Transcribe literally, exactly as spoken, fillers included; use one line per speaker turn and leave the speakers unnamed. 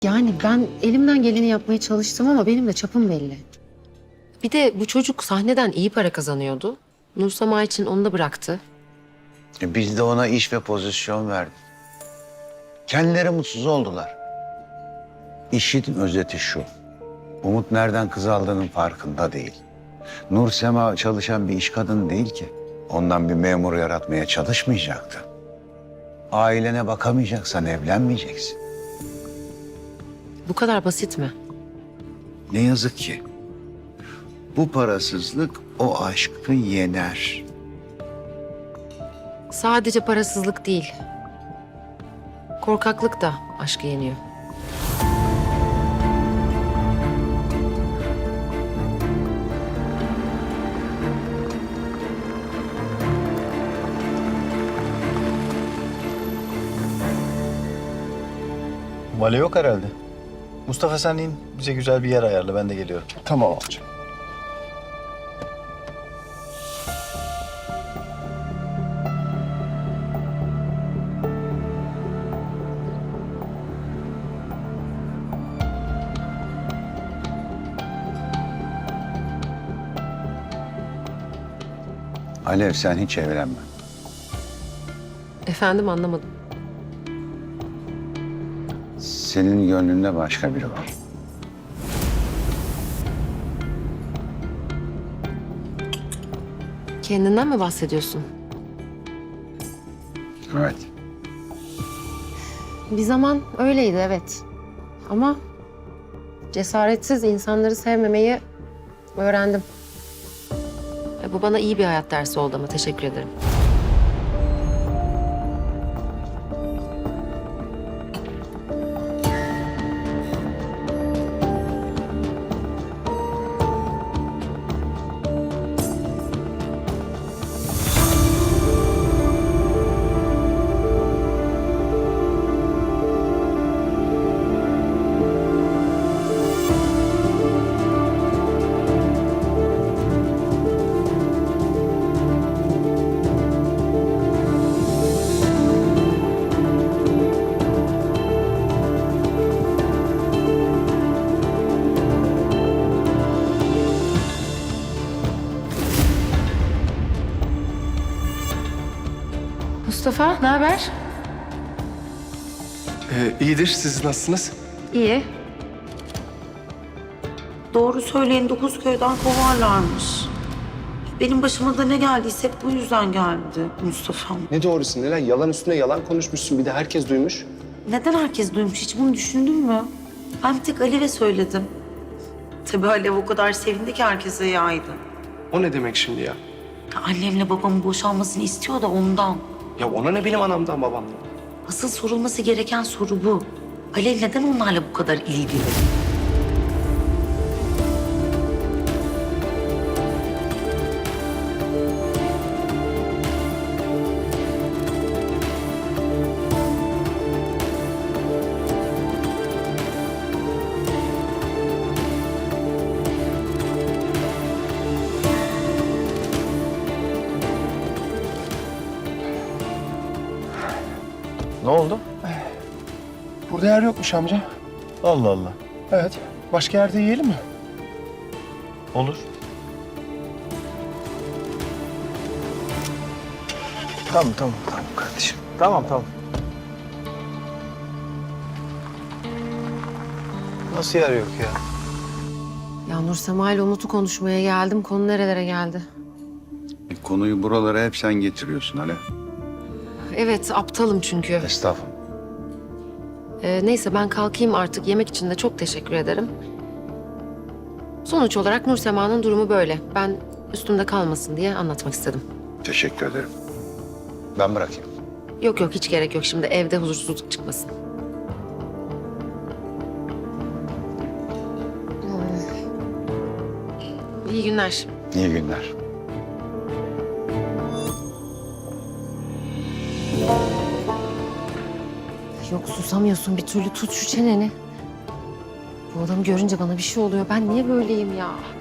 Yani ben elimden geleni yapmaya çalıştım ama benim de çapım belli. Bir de bu çocuk sahneden iyi para kazanıyordu. Nursema için onu da bıraktı.
E biz de ona iş ve pozisyon verdik. Kendileri mutsuz oldular. İşin özeti şu. Umut nereden kız aldığının farkında değil. Nursema çalışan bir iş kadını değil ki. Ondan bir memur yaratmaya çalışmayacaktı. Ailene bakamayacaksan evlenmeyeceksin.
Bu kadar basit mi?
Ne yazık ki. Bu parasızlık o aşkı yener.
Sadece parasızlık değil. Korkaklık da aşkı yeniyor.
Vale yok herhalde. Mustafa sen in bize güzel bir yer ayarla, ben de geliyorum.
Tamam amca.
Alev sen hiç evlenme.
Efendim anlamadım.
Senin gönlünde başka biri var.
Kendinden mi bahsediyorsun?
Evet.
Bir zaman öyleydi evet. Ama cesaretsiz insanları sevmemeyi öğrendim. E, bu bana iyi bir hayat dersi oldu ama teşekkür ederim. Mustafa, ne haber?
Ee, iyidir. Siz nasılsınız?
İyi.
Doğru söyleyin dokuz köyden kovarlarmış. Benim başıma da ne geldiyse hep bu yüzden geldi Mustafa'm.
Ne doğrusu Nilay? Yalan üstüne yalan konuşmuşsun. Bir de herkes duymuş.
Neden herkes duymuş hiç bunu düşündün mü? Ben bir tek Alev'e söyledim. Tabii Alev o kadar sevindi ki herkese yaydı.
O ne demek şimdi ya?
Ya annemle babamın boşanmasını istiyor da ondan.
Ya ona ne benim anamdan babamdan?
Asıl sorulması gereken soru bu. Alev neden onlarla bu kadar ilgili?
Ne oldu?
Burada yer yokmuş amca.
Allah Allah.
Evet. Başka yerde yiyelim mi?
Olur. Tamam tamam tamam kardeşim. Tamam tamam. Nasıl yer yok ya?
Ya Nursema ile Umut'u konuşmaya geldim. Konu nerelere geldi?
E, konuyu buralara hep sen getiriyorsun Alev.
Evet, aptalım çünkü.
Estağfurullah.
Ee, neyse ben kalkayım artık. Yemek için de çok teşekkür ederim. Sonuç olarak Nursema'nın durumu böyle. Ben üstümde kalmasın diye anlatmak istedim.
Teşekkür ederim. Ben bırakayım.
Yok yok hiç gerek yok. Şimdi evde huzursuzluk çıkmasın. Ee, İyi günler.
İyi günler.
Yok susamıyorsun bir türlü. Tut şu çeneni. Bu adamı görünce bana bir şey oluyor. Ben niye böyleyim ya?